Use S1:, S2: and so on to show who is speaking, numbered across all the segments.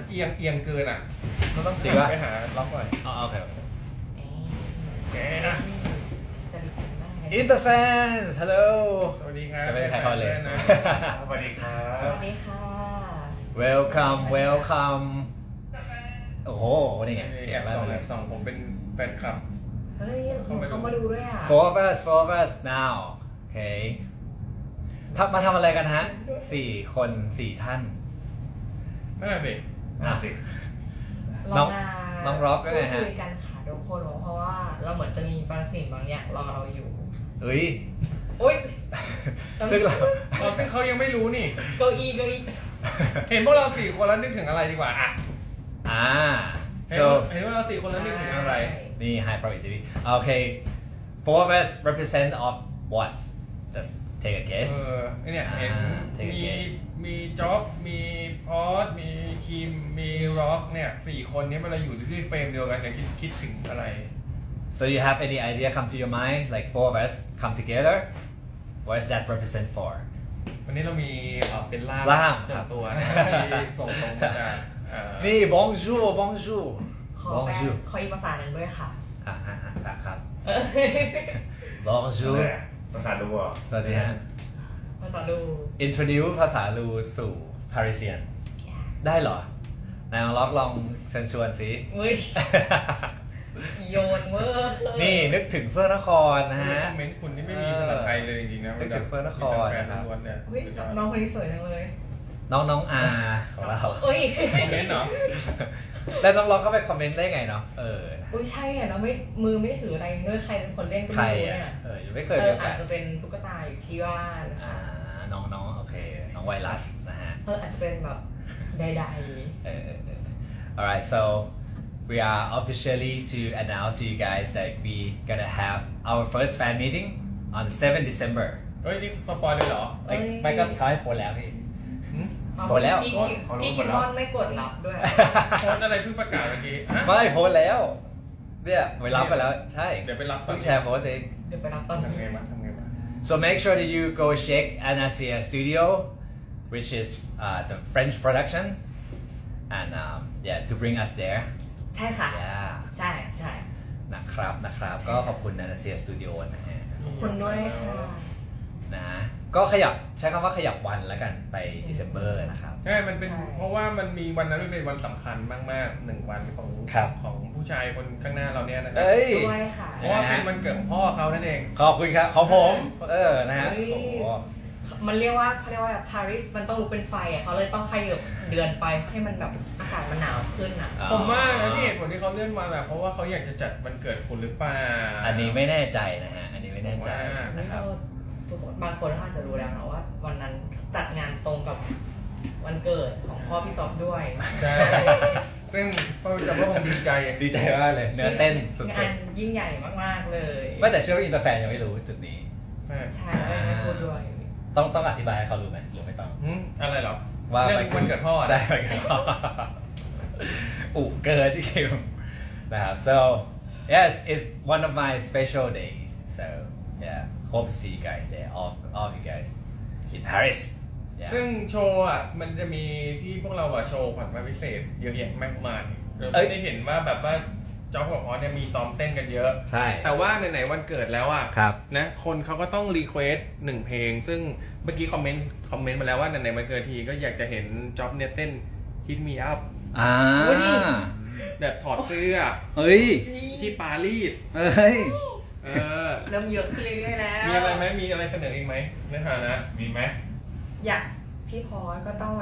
S1: เอียงเกินอ่ะเราต้อง
S2: จริงปะ
S1: ไปหาล็อกหน่อย
S2: อ๋อโอเค
S1: แกนะ
S2: Interfans hello
S1: สวัสดีครับ
S2: จะไม่ได้ใครเข้าเลย
S1: นะสวัสดีครับ
S3: สวัสดีค่ะ
S2: welcome welcome โอ้โหนี่ไง
S1: แอบส่องผมเป็นแฟนคลับ
S3: เฮ้ยเขามาดูด้วยอ่ะ
S2: four of us now โอเคมาทำอะไรกันฮะ4 คน 4 ท่าน
S1: นั่นแหละสิ
S2: อ่ะ
S3: เรามา
S2: น้องร็อกก็ไงฮะ
S3: คุยกันค่ะทุกคนเพราะว่าเราเหมือนจะมีบางสิ่งบางอย่างรอเราอยู่
S2: เฮ้ย
S3: อุ้ย
S2: ซึ่งเรา
S1: ซึ่งเขายังไม่รู้นี่
S3: เก้าอี้
S1: เห็นพวกเรา4 คนแล้วนึกถึงอะไรดีกว่าอ่ะ
S2: so
S1: เห็นว่าเรา4 คนแล้วนึกถึงอะไร
S2: นี่ high probability โอเค four of us represent of what just take a guess
S1: ไอเนี่ยเห็น
S2: take a
S1: มี
S2: guess
S1: มีจ็อบมีพอสมีคิมมีร็อกเนี่ย4 คนนี้เวลาอยู่ที่เฟรมเดียวกันจะคิดถึงอะไร
S2: so you have any idea come to your mind like four of us come together what does that represent for
S1: วันนี้เรามีเป็นล่าม
S2: ล่าม
S1: ส่
S2: ครั
S1: วน
S2: บ
S1: ตัวนะครับที่ส่งตรงมาจาก
S2: นี่ bonjour bonjour
S3: ขอแปล
S2: bonjour
S3: ขออีกภาษาหนึ่งด้วยค่ะ
S2: ครับ bonjour
S4: ภาษาดูอ่ะ
S2: สวัสดีฮะ
S3: ภาษาดู
S2: introduce ภาษาลูสู่ Parisian ได้เหรอนายล็อกลองเชิญชวนสิ
S3: อุ้ยโยนเวอร์
S2: นี่นึกถึงเฟื่องนครนะฮะ
S1: คอมเมนต์คุณที่ไม่มีภาษาไทยเลยจริงๆนะ
S2: นึกถึงเฟิร์นนคร
S1: แฟน
S2: นะครับ
S1: ล้วนเนี่ย
S3: อุ้ยน้องคนนี้สวยจังเลย
S2: น้องอาของเรา
S3: เอ้ย
S1: คอมเมนต์เหรอ
S2: แล้วน้องล็อกเข้าไปคอมเมนต์ได้ไงเนาะ
S3: อุ้ยใช่อ่ะเราไม่มือไม่ถืออะไรด้วยใครเป็นคนเล่นก็
S2: ใคร
S3: ไม่รู้
S2: อ่ะ
S3: เนี่ย
S2: ยังไม่เคยมีโอกา
S3: อา
S2: ส
S3: จจะเป็นตุ๊กตาอยู่ที่บ้านนะ
S2: อ่า
S3: คะ
S2: น้องโอเคน้องไวรัสนะฮะ
S3: อาจจะเป็นแบบใด
S2: alright so we are officially to announce to you guys that we gonna have our first fan meeting on the 7th December
S1: เฮ้ยนี่สปอยเลยเหรอ
S2: ไม่ก็เขาให้โพสแล้วพี่
S1: หืม
S3: ๆ
S2: หมดแล้ว
S3: พี่คิมมอนไม่กดรับด้วย
S1: โพสต์อะไรเพิ่งประกาศเมื่อกี้ฮะ
S2: ไม่โพสแล้วเนี่ยไปรับไปแล้วใช่
S1: เดี๋ยวไปรับตอ
S2: เพิ่
S1: น
S2: งแชร์โพสเอง
S3: เดี๋ยวไปรับตอน
S1: ทำไง
S3: นี้
S1: วะ
S2: So make sure that you go check Anasia Studio, which is the French production, and yeah, to bring us there.
S3: ใช่ค่ะ
S2: Yeah.
S3: ใช่ใช่
S2: นะครับก็ขอบคุณ Anasia Studio นะฮะ
S3: ขอบคุณด้วยค่ะ
S2: นะก็ใช้คำว่าขยับวันแล้วกันไป December นะครับ
S1: ใช่มันเป็นเพราะว่ามันมีวันนั้นเป็นวันสำคัญมากๆ1 วันของ
S2: ครับ
S1: ของผู้ชายคนข้างหน้าเราเนี่ยนะครั
S2: เอ้ย
S3: ด้วยค่ะ
S1: เพราะว่าเป็นวันเกิดของพ่อเขานั่นเอง
S2: ขอบคุณครับของผมนะฮะ
S3: เฮ้ย
S2: โอ้โห
S3: มันเรียกว่าเขาเรียกว่าปารีสมันต้องลุกเป็นไฟอ่ะเขาเลยต้องขยับเดือนไปให้มันแบบอากาศมันหนาวขึ้นอ่ะ
S1: ผมว่านะที่เหตุผลที่เขาเลื่อนมาแบบเพราะว่าเขาอยากจะจัดวันเกิดคุณหรือเปล่า
S2: อันนี้ไม่แน่ใจนะฮะอันนี้ไม่แน่ใจนะครับ
S3: ทุกคนบางคนอาจจะรู้แล้วนะว่าวันนั้นจัดงานตรงกับวันเกิดของพ่อพี่จอบด้วย
S1: ใช่ซึ่งพ่อจะก็คงดีใจ
S2: ดีใจมากเลยเนื้อเต้นสุ
S3: งา
S2: ด
S3: นยิ่งใหญ่มากๆเลย
S2: ๆไม่แต่เชื่อว่าอินเตอร์แฟนยังไม่รู้จุดนี้
S3: ใช่แล้วไม่พูดด้วย
S2: ต้องอธิบายให้เขารู้ไหมหรือไม่ต้อง
S1: อะไรเหรอ
S2: ว่า
S1: เรื่องวันเกิดพ่อ
S2: ได้วันเกิดพ่ออุเกิดที่คิวนะครับ so yes it's one of my special days so yeah hope to see you guys there all of you guys in Paris yeah
S1: ซึ่งโชว์อ่ะมันจะมีที่พวกเราอ่ะโชว์ผ่านมาพิเศษเยอะแยะมากมายเราไม่ได้เห็นว่าแบบว่าจ๊อบกับพอสเนี่ยมีซ้อมเต้นกันเยอะ
S2: ใช่
S1: แต่ว่าไหนๆวันเกิดแล้วอ่ะ
S2: ครับ
S1: นะคนเขาก็ต้องรีเควส1 เพลง ซึ่งเมื่อกี้คอมเมนต์มาแล้วว่าไหนๆวันเกิดทีก็อยากจะเห็นจ๊อบเนี่ยเต้น Hit Me Up แบบถอดเสื้อ
S2: เฮ้ย
S1: ที่ปารีส
S2: เฮ้ย
S3: เริ่มเยอะขึ้นเรื่อยๆแล้ว
S1: มีอะไรไหมมีอะไรเสนออีกไหมในฐานะ
S4: มีไหม
S3: อยากพี่พอสก็ต้องแบบ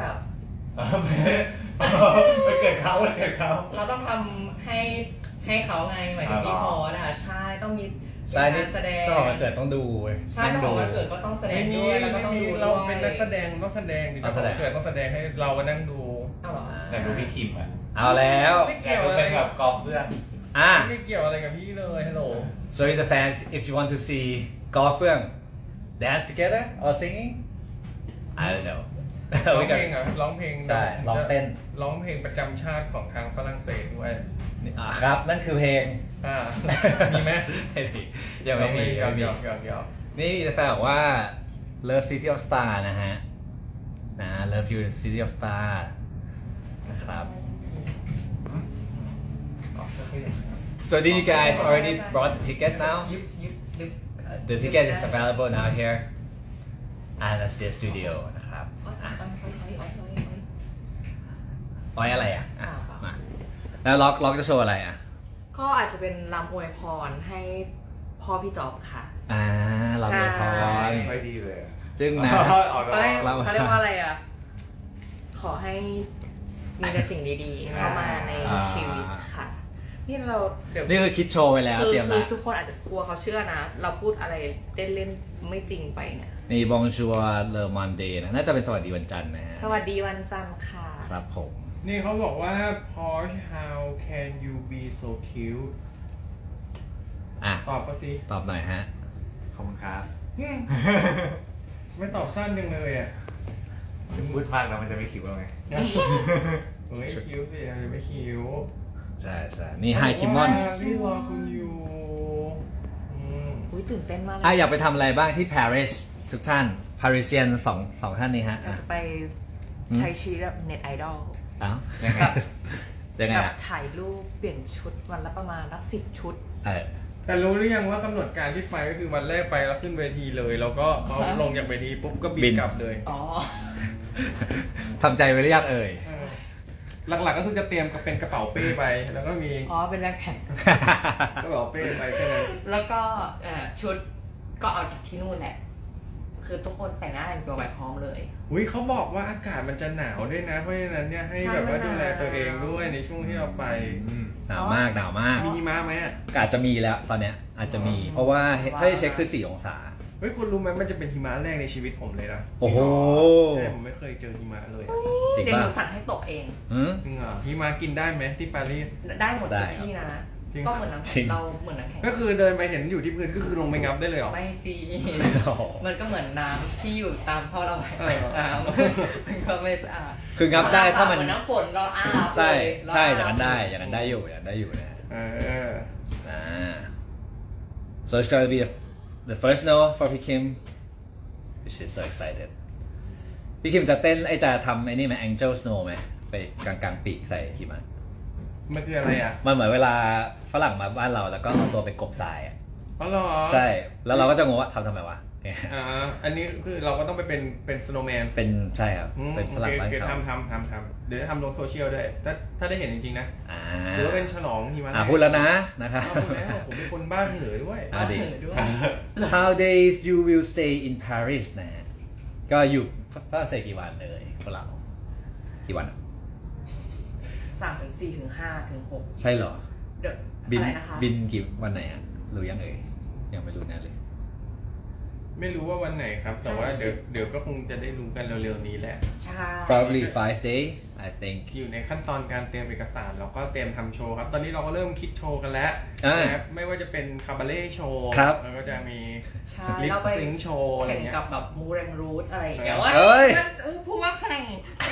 S4: ไปเกิดเขา
S3: เราต้องทำให้เขาไงหมายถึงพี่พอสอะใช่ต้องมี
S2: ใช่นี่
S3: การแสดง
S2: เจ้าของวันเกิดต้องดูเว้ย
S3: ใช่เจ้าของวันเกิดก็ต้องแสดงด้วยแล้วก็ต้องดู
S1: เรา
S3: ด้วย
S1: เป็นนักแสดงต้องแสดงดิ
S2: ต้องแสดง
S1: เกิดต้องแสดงให้เรามานั่งดู
S3: เอาเหรอ
S4: แต่ดูพี่คิมอ่ะ
S2: เอาแล้ว
S1: ไม่
S4: แต่
S1: เกี่ยว
S4: ดู
S1: อะไร
S4: เป็นแบบกอล์ฟเพื่อน
S2: อ่ะ
S1: ไม่เกี่ยวอะไรกับพี่เลยฮัลโหล
S2: So the fans, if you want to see golf film dance together or singing, I don't know.
S1: ร้องเพลงเหรอร้องเพลง
S2: ใช่ร้องเต้น
S1: ร้องเพลงประจำชาติของทางฝรั่งเศสด้วย
S2: ครับ นั่นคือเพลง
S1: มีไหม
S2: ไม่มียังไม่มี
S1: เดี๋ยว
S2: ไม่มี
S1: เดี๋ยว
S2: นี่จะแฟนบอกว่า Love City of Star นะฮะนะ Love You City of Star นะครับ So did you guys already brought the ticket now?
S3: ยึบ
S2: The ticket is available now here at the studio นะครับอ้อยอะไรอ่ะมาแล้วล็อกจะโชว์อะไรอ่ะ
S3: ก็อาจจะเป็นลำอวยพรให้พ่อพี่จ๊อบค่ะ
S2: เราอวยพร
S4: ไม่ดีเลยอะ
S2: จึงนะ
S4: ออก
S3: เขาเรียก
S2: เรา
S3: เขาเรียกว่าอะไรอ่ะ ขอให้มีแต่สิ่งดีๆเข้ามาในชีวิตค่ะ นี่เราเดี๋ยว
S2: นี่คือคิดโชว์ไปแล้วเตรียม
S3: คื
S2: ละ
S3: อทุกคนอาจจะกลัวเขาเชื่อนะ เราพูดอะไรเล่นๆไม่จริงไปเนี่ย
S2: นี่บองชัวเลอมอนเดย์นะน่าจะเป็นสวัสดีวันจันทร์นะฮะ
S3: สวัสดีวันจันทร์ค่ะ
S2: ครับผม
S1: นี่เขาบอกว่า Porsche how can you be so cute
S2: อ่ะ
S1: ตอบก็สิ
S2: ตอบหน่อยฮะ
S4: ขอบคุณครับ
S1: ไม่ตอบสั้นจังเลยอ่ะ
S4: ถึงพูดมากแล้วมันจะไม่คิวแล้วไง
S1: เฮ้ยคิ้วสิไม่คิ้ว
S2: ใช่นี่ไฮคิมอน
S1: นี่รอคุณอยู่
S3: อุ้ยตื่นเต้นมากเลย
S2: อยากไปทำอะไรบ้างที่ปารีสทุกท่าน ปารีเซียนสองท่านนี้ฮะ
S3: อยากจะไปใช้ชีวิตแบบเน็ตไอดอล
S2: เอ้า
S4: ยังไง
S2: ยังไง
S3: แบบ
S2: อ่ะ
S3: ถ่ายรูปเปลี่ยนชุดวันละประมาณ10 ชุด
S1: แต่รู้หรือยังว่ากำหนดการที่ไปก็คือวันแรกไปแล้วขึ้นเวทีเลยแล้วก็พอลงจากเวทีปุ๊บก็บินกลับเลย
S3: อ๋อ
S2: ทำใจไว้หรือยังเอ่ย
S1: หลักๆก็คือจะเตรียมเป็นกระเป๋าเป้ไป แล้วก็มี
S3: อ๋อ เป็นแบ็คแพ็ค
S1: กระเป๋าเป้ไปแค่นั้น
S3: แล้วก็ชุดก็เอาจากที่นู่นแหละ คือทุกคนแต่งหน้าแต่งตัวแบบพร้อมเลย
S1: อุ้ยเขาบอกว่าอากาศมันจะหนาวด้วยนะ เพราะฉะนั้นเนี่ยให้
S3: ใช่
S1: แบบว่า
S3: มันหนาว
S1: ดูแลตัวเองด้วยในช่วงที่เราไป
S2: หนาวมากหนาวมาก
S1: มีหิมะไหมอ่ะ
S2: อาจจะมีแล้วตอนเนี้ยอาจจะมี เพราะว่าถ้าได้เช็คคือ4 องศา
S1: เฮ้ยคุณรู้ไหมมันจะเป็นหิมะแรกในชีวิตผมเลยนะ
S2: โอ้โห
S1: ใช่ผมไม่เคยเจอหิมะเลยอะ
S2: จริง
S3: เดี๋ยวห
S2: ป่ะ
S3: นูสั่งให้ตกเอง
S2: อืม
S1: จริงเหรอหิมะกินได้ไหมที่ปารีส
S3: ได้หมด
S2: ได้
S3: ทุกที่นะ
S1: จริง
S3: ก็เหมือนน้ำ
S2: จริ
S3: แข็
S2: ง
S3: งเราเหมือนน้ำแข็ง
S1: ก็คือเดินไปเห็นอยู่ที่พื้นก็คือลงไปงับได้เลยเหรอ
S3: ไม่สิ
S2: โอ้โห
S3: มันก็เหมือนน้ำที่อยู่ตามท่อระบาย
S1: เออ
S3: น้ำมันก็ไม่สะอาด
S2: คืองับได้ถ้ามัน
S3: เหมือนน้ำฝนเราอาบ
S2: ใช่
S3: เลย
S2: ใช่
S3: เร
S2: อย่างนั้นได้อย่างนั้นได้อยู่นะ
S1: เออ
S2: So it's gonna be the first snow for P Kim which is so excited พี่คิมจะเต้นจะทำไอ้นี่ไหม Angel Snow ไหมไปกลางปีกใส่หิมะ
S1: มันคืออะไรอ่ะ
S2: มันเหมือนเวลาฝรั่งมาบ้านเราแล้วก็เอาตัวไปกบทรายอ่ะ
S1: อ๋อเหรอ
S2: ใช่ แล้วเราก็จะงงว่าทำไมวะเนี่ย
S1: อันนี้คือเราก็ต้องไปเป็นสโนว์แมน
S2: เป็นใช่ครับ เป็นฝรั่งบ้าน
S1: โอเค
S2: เขา
S1: ทำเดี๋ยวจะทำลงโซเชียลด้วยถ้าได้เห็นจริงๆนะ
S2: อ่า
S1: หรือว่าเป็นฉลองหิมะ
S2: พูดแล้วนะนะครับ
S1: พูดแล้วผมเป็นคนบ้าเหนือด้วย
S2: อ่ะดิ
S3: เออด้วย
S2: How days you will stay in Paris นะฮะก็อยู่ฝรั่งเศสกี่วันเลยพวกเรากี่วันอะ
S3: 3 ถึง 4 ถึง 5 ถึง 6
S2: ใช่เหรอ
S3: เดี๋ยว
S2: บิน
S3: อะไรนะคะ
S2: บินกี่วันไหนอ่ะรู้ยังเอ่ยยังไม่รู้แน่เลย
S1: ไม่รู้ว่าวันไหนครับ แต่ว่าเดี๋ยวก็คงจะได้รู้กันเร็วๆนี้แหละ
S3: ใช่
S2: probably 5 day I think
S1: อยู่ในขั้นตอนการเตรียมเอกสารแล้วก็เตรียมทำโชว์ครับ ตอนนี้เราก็เริ่มคิดโชว์กันแล้ว
S2: อ่า
S1: นะครับไม่ว่าจะเป็นคาบาเล่โชว์
S2: ครับ
S1: แล้วก็จะมี
S3: ใช่
S1: ลิป
S3: เราไป
S1: ซิงโชว์อะไร
S3: แข่ง
S1: เงี้ย
S3: กับแบบมูเรนรูทอะไรอย่างเงี้ย
S2: เอ้ย
S3: พูดว่าแข่ง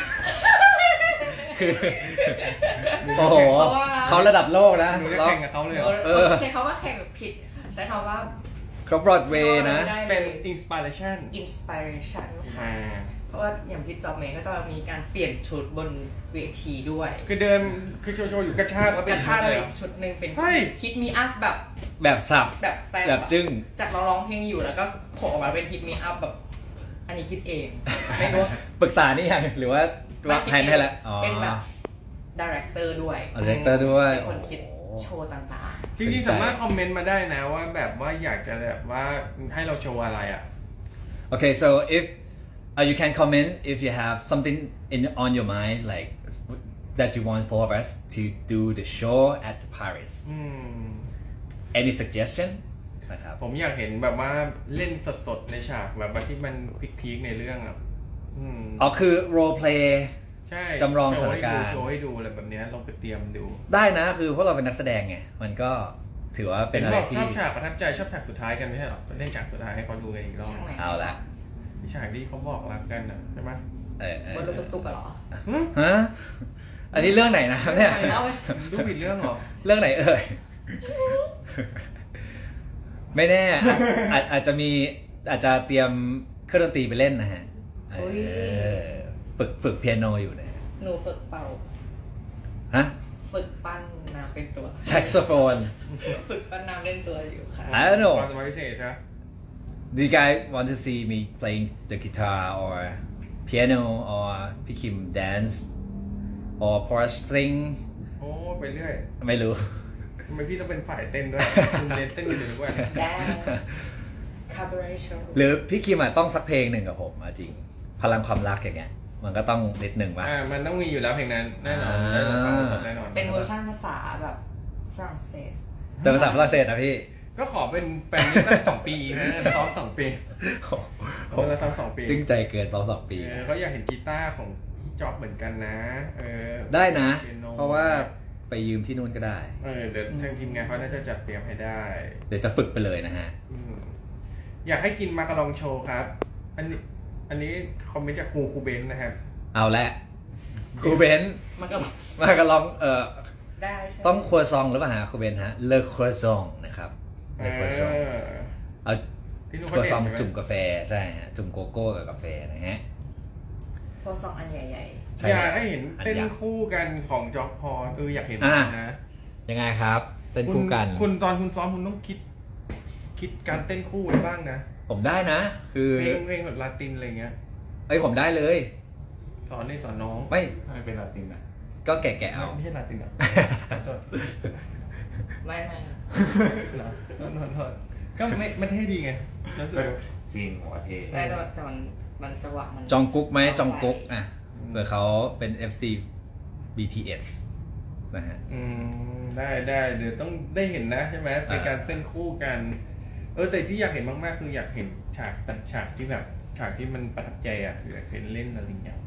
S2: คือโอ้โห
S3: เพราะว่า
S2: เขาระดับโลกนะ
S1: หนูจะแข่งกับเขาเลยเหรอ
S2: เออ
S3: ใช้คำว่าแข่งผิด ใช้คำว่า
S2: เขาบรอดเวย์นะ
S3: ได้ลย
S1: เป็นอินสปิเรชัน
S3: inspiration ค่ะ
S1: อ่า
S3: เพราะว่าอย่างพี่จอบเมย์ก็จะมีการเปลี่ยนชุดบนเวทีด้วย
S1: คือเดินคือโชว์อยู่กระชากแล้ว
S3: ก
S1: เป็น
S3: ระชาก
S1: เล
S3: เลย ย
S1: เหรอ
S3: ชุดหนึ่งเป็น
S1: เฮ้ย
S3: ฮิตมีอัพแบบ
S2: แบบสับ
S3: แบบแซ่
S2: แบบจึ้ง
S3: จากเราร้องเพลงอยู่แล้วก็โผล่ออกมาเป็นฮิตมีอัพแบบ อันนี้คิดเอง ไม่รู้
S2: ปรึกษานี่ยังหรือว่ารับแทนให้แล้วอ๋อ
S3: เป็นแบบดีเรคเตอร์ด้วย
S2: ดีเรคเตอร์ด้วย
S3: เป็นคนคิด
S2: โอ้
S3: โชว์ต่าง
S1: จริงๆสามารถคอมเมนต์มาได้นะว่าแบบว่าอยากจะแบบว่าให้เราโชว์อะไรอ่ะ
S2: Okay, so if you can comment if you have something on your mind like that you want for us to do the show at Paris.
S1: อืม
S2: Any suggestion? นะครับ
S1: ผมอยากเห็นแบบว่าเล่นสดๆในฉากแบบว่าที่มันพีคๆในเรื่องอ่ะอืม
S2: อ๋อคือ role play
S1: ใช่
S2: จำลองสถานการณ์
S1: โชว์ให้ดูอะไรแบบเนี้ยลองไปเตรียมดู
S2: ได้นะคือพวกเราเป็นนักแสดงไงมันก็ถือว่าเป็นอะไร
S1: บอกช
S2: ที่
S1: อบฉากประทับใจชอบฉากสุดท้ายกันไม่ใช่หรอเล่นฉากสุดท้ายให้เขาดูกันอีกรอบ
S3: ๆช่างไหน
S2: เอาละ
S1: ฉากที่เขาบอกรักกันอ่ะใช่ไหม
S3: บนรถตุ๊กๆอะเหรอ
S2: ฮะอันนี้เรื่องไหนนะเนี่ย
S3: เอาไป
S1: ดูผิดเรื่องเหรอ
S2: เรื่องไหนเอ่ย ไม่แน่อาจจะมีอาจจะเตรียมเครื่องดนตรีไปเล่นนะฮะฝึกเปียโนอยู่นะ
S3: หนูฝึกเป่า
S2: ฮะ
S3: ฝึกปั้นน้ำเป็นตัว
S2: saxophone
S3: ฝึกปั้นน้ำเล่นตัวอยู่ค่ะ
S2: I don't know
S1: ความสามารถพิเศษใช่ไหม
S2: Do you guys want to see me playing the guitar or piano or พี่คิม dance or Porsche sing
S1: โอ้ไปเรื่อย
S2: ไม่รู้
S1: ทำไมพี่ต้องเป็นฝ่ายเต้นด้วย คุณเน้นเต้นอยู่ทุกวัน
S3: Dance Cabaret Show
S2: หรือพี่คิมอะต้องสักเพลงหนึ่งกับผมอะจริง พลังความรักอย่างเงี้ย มันก็ต้องนิดหนึ่งป่ะ
S1: มันต้องมีอยู่แล้วเพลงนั้นแน่นอน
S2: อ่า
S1: ได้รับฟังสดแน่นอน
S3: เป็นเวอร์ชันภาษาแบบฝรั่งเศส
S2: แต่ภาษาฝรั่งเศสนะพี่
S1: ก็ขอเป็นแฟนนี้ตั้ง2 ปีนะซ้อม2 ปีเราซ้อม2 ปี
S2: จึงใจเกินสองปี
S1: ก็อยากเห็นกีตาร์ของพี่จ๊อบเหมือนกันนะ
S2: ได้นะ
S1: ปียโ
S2: เพราะว่าไปยืมที่นู่นก็ได้
S1: เดี๋ยวทางทีมงานเขาน่าจะจัดเตรียมให้ได้
S2: เดี๋ยวจะฝึกไปเลยนะฮะ
S1: อยากให้กินมาการองโชว์ครับ อันนี้คอมเมนต์จากครูเบนซ์นะครับ
S2: เอาละครูเบนซ์
S3: มันก็
S2: มากันลอง
S3: ได้ใช่ไหม
S2: ต้องครัวซองหรือเปล่าฮะครูเบนซ์ฮะเลอครัวซองนะครับเลอครัวซองเอา
S1: ที่นู่น
S2: ครัวซอง
S1: เขาเด่นใช่ไหม
S2: จุ่มกาแฟใช่ฮะจุ่มโกโก้กับกาแฟนะฮะ
S3: โคซองอันใหญ่
S2: ใช่
S1: อยากให้เห็น
S2: อั
S1: เต้น
S2: ยักษ์
S1: คู่กันของจ๊อบพออยากเห็น
S2: อ่ะ
S1: นะ
S2: ยังไงครับเต้นคู่กัน
S1: คุณตอนคุณซ้อมคุณต้องคิดการเต้นคู่ไว้บ้างนะ
S2: ผมได้นะ คือ
S1: เพลงแบบลาตินอะไรเงี้ย
S2: เอ้ยผมได้เลย
S1: สอนนี่สอนน้อง
S2: ไม่
S4: ทำไมเป็นลาตินอ่ะ
S2: ก็แกะเอา
S1: ไม่ใช่ลาตินอ่ะโทษ
S3: ๆ ไม่
S1: เหรอโทษก็ไม่เท่ดีไงรู้สึก
S4: จริงหัวเท
S3: แต่มันจังหวะมัน
S2: จองกุ๊กไหมจองกุ๊ก
S3: ใส่
S2: อ่ะเผื่อเขาเป็น FC BTS นะฮะ
S1: ได้เดี๋ยวต้องได้เห็นนะใช่ไหมเป็นการเต้นคู่กันแต่ที่อยากเห็นมากๆคืออยากเห็นฉากที่แบบฉากที่มันประทับใจอ่ะอยากเห็นเล่นอะไรอย่างเงี้ย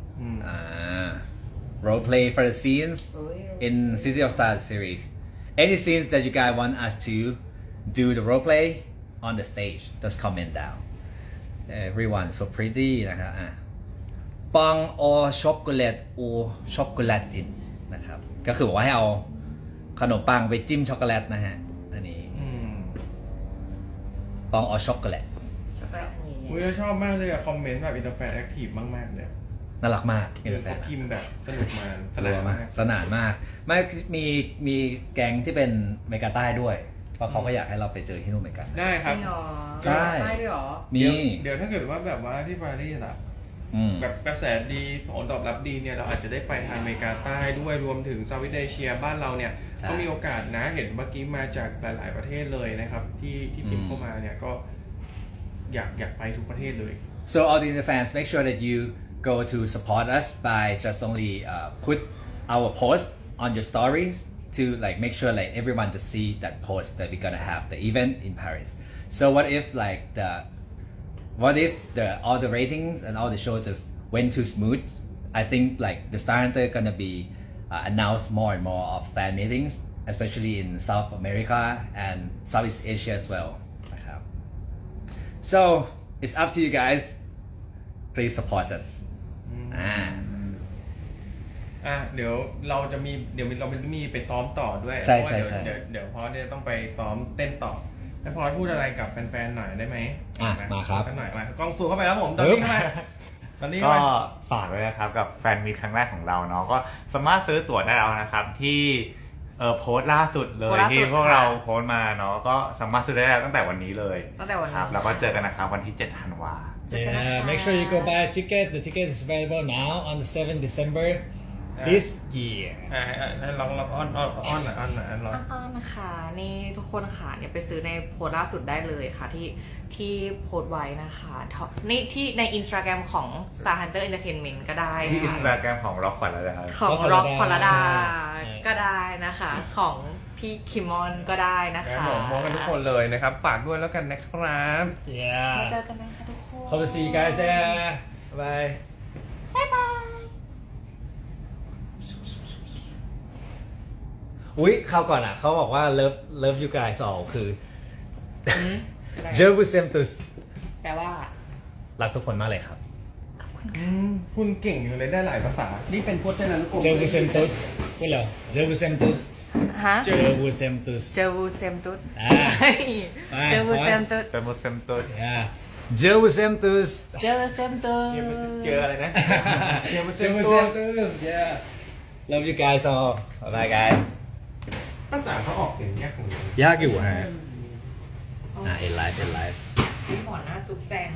S2: role play for the scenes
S3: เอ้ย
S2: in City of Stars series any scenes that you guys want us to do the role play on the stage just comment down everyone so pretty นะครับปัง or chocolate or chocolate นะครับก็คือบอกว่าให้เอาขนมปังไปจิ้มช็อกโกแลตนะฮะอันนี้ปัง or chocolate
S3: ช็อกโกแลตอันใหญ่
S1: อุ้ยชอบมากเลยอะคอมเมนต์แบบอินเตอร์แฟนแอคทีฟมากๆเลย
S2: น่ารักมาก
S1: คือเขาพิมพ์แบบสนุกมาส
S2: สนานมากสนานมากไม่มีแก๊งที่เป็นเมกาใต้ด้วย เพราะเขาก็อยากให้เราไปเจอที่นู่นเหมือนกัน
S1: ได้
S3: ๆ
S1: ค
S3: จ
S1: รั
S3: ริ
S1: บ
S3: งเหรอ
S2: ใช่
S3: ได้ด้วยเหรอ
S2: มี
S1: เดี๋ยวถ้าเกิดว่าแบบว่าที่ปารีสอะ แบบกระแสดีผลตอบรับดีเนี่ยเราอาจจะได้ไปทางอเมริกาใต้ด้วยรวมถึงเซาท์อีสต์เอเชียบ้านเราเนี่ย
S2: ใช่
S1: ก็มีโอกาสนะเห็นเมื่อกี้มาจากหลาย ๆประเทศเลยนะครับ ที่พิมพ์เข้ามาเนี่ยก็อยากไปทุกประเทศเลย
S2: So all the fans, make sure that you go to support us by just only put our post on your stories to like make sure like everyone to see that post that we're gonna have the event in Paris. So what if all the ratings and all the shows just went too smooth? I think like the Star Hunter gonna be announced more and more of fan meetings, especially in South America and Southeast Asia as well. So it's up to you guys. Please support us.
S1: เดี๋ยวเราจะมีไปซ้อมต่อด้วย
S2: ใช่
S1: เพราะว่า
S2: ใช่
S1: เดี๋ยวพอเนี่ยต้องไปซ้อมเต้นต่อให้พอพูดอะไรกับแฟนๆหน่อยได้ไหม
S2: มาครับ
S1: กันหน่อยมากล้องซูมเข้าไปแล้วผมตอนนี้เข้ามาตอนนี้
S4: ก็ฝากด้วยนะครับกับแฟนมีตครั้งแรกของเราเนาะก็สามารถซื้อตั๋วได้แล้วนะครับที่โพสต์ล่าสุดเลยที่พวกเราโพสต์มาเนาะก็สามารถซื้อได้แล้วตั้งแต่วันนี้เลย
S3: ตั้งแต่วันนี้
S4: ครับแล้วก็เจอกันนะครับวันที่ 7 ธันวา
S5: Yeah, make sure you go buy a ticket. The ticket is available now on the 7th December this year.
S1: ลองอ้อนหน่อยอ้อน
S3: อ้อนๆนะคะนี่ทุกคนค่ะเนี่ยไปซื้อในโพสต์ล่าสุดได้เลยค่ะที่โพสต์ไว้นะคะนี่ที่ใน Instagram ของ Star Hunter Entertainment ก็ได้
S4: ที่อินส
S3: ค่ะ
S4: ตาแกรมของร็อกขวัญแล้วนะครับ
S3: ของ
S5: Rock
S3: Rock พ
S5: Phalada
S3: ลดาก็ได้นะคะ ของพี่คิมมอนก็ได้นะ
S1: ครั
S3: คะ
S1: บผมมองกันทุกคนเลยนะครับฝากด้วยแล้วกันนะครับ
S3: มา
S5: Yeah.
S3: เจอกันนะคะทุกคน
S5: Hope to see you guys there. Bye.
S3: บ๊ายบาย
S2: อุ๊ยคราวก่อนอ่ะเขาบอกว่า love you guys all คือ Je vous aime tous
S3: แต่ว่า
S2: รักทุกคนมากเลยครับ
S1: คุณเก่งอยู่เลยได้หลายภาษา นี่เป็นพจนานุกรม
S5: Je vous aime tous. Hello. Je vous aime tous.
S3: ฮะ
S5: Je vous aime tous.
S3: เจอวูเซมตุด
S5: อ่า
S3: เจอวูเซมตุด
S4: เป็นมุสลิมตัว
S5: Yeah.
S2: Je vous aime tous
S3: เจอวูเซมตุด
S1: เจออะไรนะ
S2: Je vous aime tous Yeah Love you guys all Bye bye guys
S1: ภาษาเขาออกเสียงยากของเรา
S5: ยากอยู่ฮะเอ็นไลฟ์
S3: พี่หมอหน้าจุ๊บแจง